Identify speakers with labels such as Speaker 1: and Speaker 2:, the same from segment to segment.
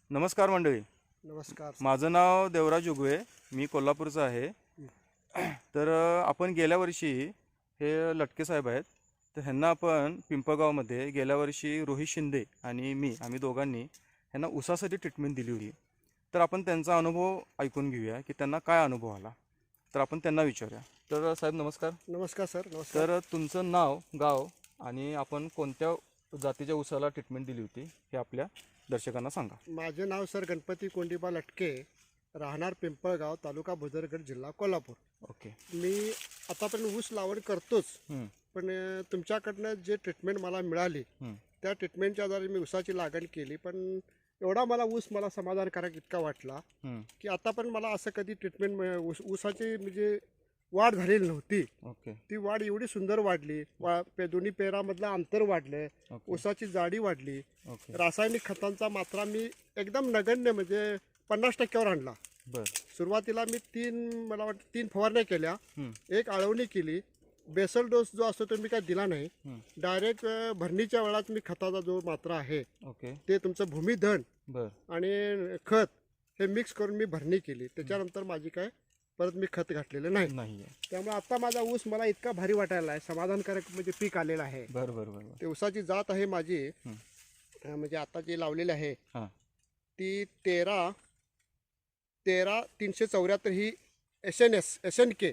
Speaker 1: नमस्कार मंडळी.
Speaker 2: नमस्कार.
Speaker 1: माझं नाव देवराज उगवे, मी कोल्हापूरचा आहे. तर आपण गेल्या वर्षी हे लटके साहेब आहेत, तर ह्यांना आपण पिंपळगावमध्ये गेल्या वर्षी रोहित शिंदे आणि आम्ही दोघांनी ह्यांना ऊसासाठी ट्रीटमेंट दिली होती. तर आपण त्यांचा अनुभव ऐकून घेऊया की त्यांना काय अनुभव आला. तर आपण त्यांना विचारूया. तर साहेब नमस्कार.
Speaker 2: नमस्कार सर. नमस्कार.
Speaker 1: तर तुमचं नाव, गाव आणि आपण कोणत्या जातीच्या ऊसाला ट्रीटमेंट दिली होती हे आपल्या दर्शकांना सांगा.
Speaker 2: माझे नाव सर गणपती कोंडीबा लटके, राहणार पिंपळगाव, तालुका भुदरगड, जिल्हा कोल्हापूर.
Speaker 1: ओके.
Speaker 2: मी आतापर्यंत ऊस लावण करतोच, पण तुमच्याकडनं जे ट्रीटमेंट मला मिळाली त्या ट्रीटमेंटच्या आधारे मी ऊसाची लागण केली. पण एवढा मला समाधानकारक इतका वाटला की आता पण मला असं कधी ट्रीटमेंट ऊसाची म्हणजे वाढ झालेली नव्हती.
Speaker 1: ओके.
Speaker 2: ती वाढ एवढी सुंदर वाढली. दोन्ही पेरामधलं अंतर वाढलं, ऊसाची जाडी वाढली.
Speaker 1: ओके.
Speaker 2: रासायनिक खतांचा मात्रा मी एकदम नगण्य म्हणजे 50% आणला.
Speaker 1: बर.
Speaker 2: सुरुवातीला मी मला वाटतं 3 फवारण्या केल्या, एक आळवणी केली. बेसल डोस जो असतो तो मी काय दिला नाही. डायरेक्ट भरणीच्या वेळात मी खताचा जो मात्रा आहे
Speaker 1: ओके
Speaker 2: ते तुमचं भूमिधन
Speaker 1: बर
Speaker 2: आणि खत हे मिक्स करून मी भरणी केली. त्याच्यानंतर माझी काय परत मी खत घातलेलं नाही. त्यामुळे आता माझा ऊस मला इतका भारी वाटायला आहे, समाधानकारक म्हणजे पीक आलेलं आहे.
Speaker 1: बर बर बर.
Speaker 2: ते ऊसाची जात आहे माझी, म्हणजे आता जी लावलेली आहे ती 13-374 ही SNK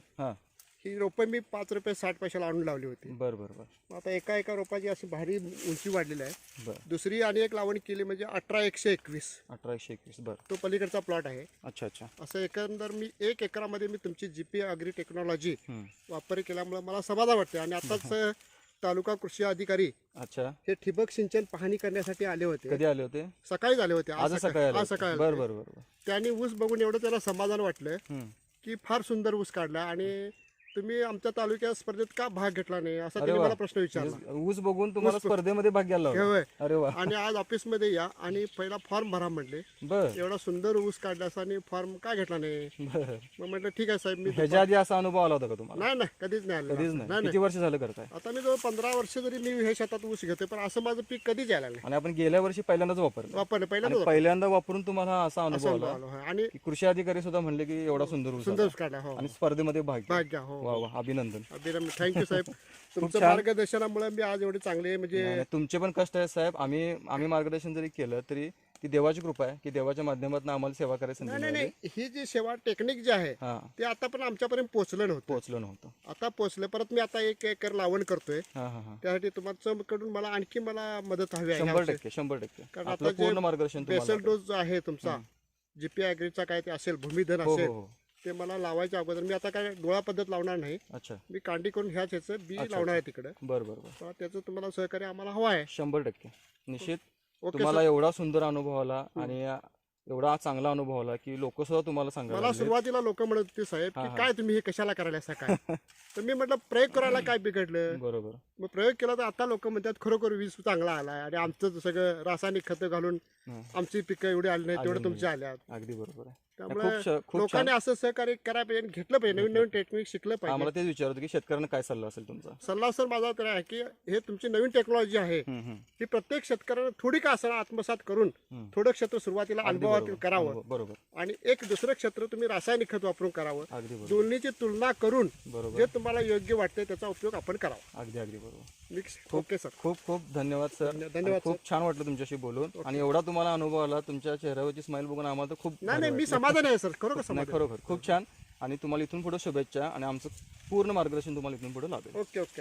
Speaker 2: ही रोपं मी 5 रुपये 60 पैशाला आणून लावली होती.
Speaker 1: बर बर बर.
Speaker 2: आता एका रोपाची अशी भारी उंची वाढलेली आहे.
Speaker 1: बर.
Speaker 2: दुसरी आणि एक लावण केली म्हणजे 18-121.
Speaker 1: 18-121. बर.
Speaker 2: तो पलीकडचा प्लॉट आहे.
Speaker 1: अच्छा अच्छा.
Speaker 2: असं एकंदर मी 1 एकरामध्ये मी तुमची GP ॲग्री टेक्नॉलॉजी वापर केल्यामुळे मला समाधान वाटते. आणि आताच तालुका कृषी अधिकारी
Speaker 1: अच्छा
Speaker 2: हे ठिबक सिंचन पाहणी करण्यासाठी आले होते.
Speaker 1: कधी आले होते?
Speaker 2: सकाळी आले होते.
Speaker 1: आज सकाळी. बर बर बर.
Speaker 2: त्यांनी ऊस बघून एवढं त्याला समाधान वाटलं की फार सुंदर ऊस काढला. आणि तुम्ही आमच्या तालुक्यात स्पर्धेत का भाग घेतला नाही असा त्यांनी मला प्रश्न विचारला.
Speaker 1: ऊस बघून तुम्हाला स्पर्धेमध्ये भाग घ्यायला लावला? अरे वा.
Speaker 2: आणि आज ऑफिस मध्ये या आणि पहिला फॉर्म भरा म्हटले.
Speaker 1: बर.
Speaker 2: एवढा सुंदर ऊस काढला आणि फॉर्म का घेतला नाही? मग म्हटलं ठीक आहे साहेब. मी
Speaker 1: ह्याच्या आधी असा अनुभव आला होता का तुम्हाला?
Speaker 2: नाही कधीच नाही आला.
Speaker 1: कधीच नाही. किती वर्ष झालं करताय?
Speaker 2: आता मी जवळ 15 वर्ष जरी मी हे शेतात ऊस घेतोय, पण असं माझं पीक कधीच यायला नाही.
Speaker 1: आणि आपण गेल्या वर्षी पहिल्यांदाच वापरलं. पहिल्यांदा वापरून तुम्हाला असा अनुभव आला.
Speaker 2: आणि
Speaker 1: कृषी अधिकारी सुद्धा म्हणले की एवढा सुंदर ऊस
Speaker 2: काढला.
Speaker 1: आणि स्पर्धेमध्ये भाग
Speaker 2: घ्या.
Speaker 1: वा वा, अभिनंदन.
Speaker 2: थँक्यू साहेब. तुमचं मार्गदर्शनामुळे मी आज एवढे चांगले म्हणजे
Speaker 1: तुमचे पण कष्ट आहेत साहेब. आम्ही मार्गदर्शन जरी केलं तरी ती देवाची कृपा आहे की देवाच्या माध्यमातून आम्हाला सेवा करायची संधी मिळाली.
Speaker 2: ही जी सेवा टेक्निक जी आहे ते आता पण आमच्यापर्यंत पोहोचलं नव्हतं. आता पोहोचलं. परत मी आता 1 एकर लावण करतोय. त्यासाठी तुमच्याकडून मला आणखी मदत हवी आहे.
Speaker 1: 100%.
Speaker 2: कारण आता पूर्ण मार्गदर्शन बेसल डोस जो आहे तुमचा GP ॲग्रीचा काय ते असेल, भूमिधन असेल, ते मला लावायच्या अगोदर मी आता काय डोळा पद्धत लावणार नाही.
Speaker 1: अच्छा.
Speaker 2: मी कांडी करून ह्याच ह्याचं बी लावणार आहे तिकडे.
Speaker 1: बरोबर.
Speaker 2: त्याचं तुम्हाला सहकार्य आम्हाला हवं आहे.
Speaker 1: 100% निश्चित. तुम्हाला एवढा सुंदर अनुभव आला आणि एवढा चांगला अनुभव आला की लोक सुद्धा तुम्हाला सांगा.
Speaker 2: मला सुरुवातीला लोक म्हणत होते साहेब की काय तुम्ही हे कशाला करायला काय? तर मी म्हटलं प्रयोग करायला काय बिघडलं.
Speaker 1: बरोबर.
Speaker 2: मग प्रयोग केला तर आता लोक म्हणतात खरोखर वीज चांगला आलाय आणि आमचं सगळं रासायनिक खतं घालून आमची पिकं एवढी आली नाही तेवढं तुमची आल्यात.
Speaker 1: अगदी बरोबर आहे.
Speaker 2: त्यामुळे लोकांनी असं सहकार्य करायला पाहिजे, घेतलं पाहिजे, नवीन टेक्निक शिकलं पाहिजे.
Speaker 1: आम्हाला तेच विचारतो की शेतकऱ्यांना काय सल्ला असेल तुमचा?
Speaker 2: सल्ला सर माझा तर आहे की हे तुमची नवीन टेक्नॉलॉजी आहे ही प्रत्येक शेतकऱ्यानं थोडी का असं आत्मसात करून थोडं क्षेत्र सुरुवातीला अनुभवात करावं.
Speaker 1: बरोबर. आणि
Speaker 2: एक दुसरं क्षेत्र तुम्ही रासायनिक खत वापरून करावं. दोन्हीची तुलना करून जे तुम्हाला योग्य वाटते त्याचा उपयोग आपण करावा.
Speaker 1: अगदी बरोबर.
Speaker 2: Okay sir.
Speaker 1: खूप धन्यवाद सर.
Speaker 2: धन्यवाद.
Speaker 1: खूप छान वाटलं तुमच्याशी बोलून. आणि एवढा तुम्हाला अनुभव आला, तुमच्या चेहऱ्यावरची स्माईल बघून आम्हाला तर खूप
Speaker 2: नाही मी समाधान आहे सर.
Speaker 1: खरोखर खूप छान. आणि तुम्हाला इथून पुढे शुभेच्छा आणि आमचं पूर्ण मार्गदर्शन तुम्हाला इथून पुढे लाभेल.
Speaker 2: ओके.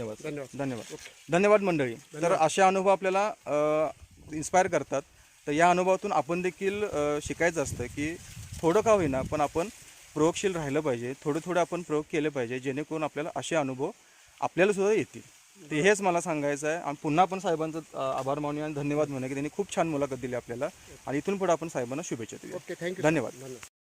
Speaker 1: धन्यवाद मंडळी. तर असे अनुभव आपल्याला इन्स्पायर करतात. तर या अनुभवातून आपण देखील शिकायचं असतं की थोडं का होईना पण आपण प्रयोगशील राहिलं पाहिजे. थोडं आपण प्रयोग केले पाहिजे जेणेकरून आपल्याला असे अनुभव आपल्याला सुद्धा येतील. ते हेच मला सांगायचं आहे. आणि पुन्हा आपण साहेबांचं आभार मानूया आणि धन्यवाद म्हणूया की त्यांनी खूप छान मुलाखत दिली आपल्याला. आणि इथून पुढे आपण साहेबांना शुभेच्छा देऊया.
Speaker 2: ओके. थँक्यू.
Speaker 1: धन्यवाद.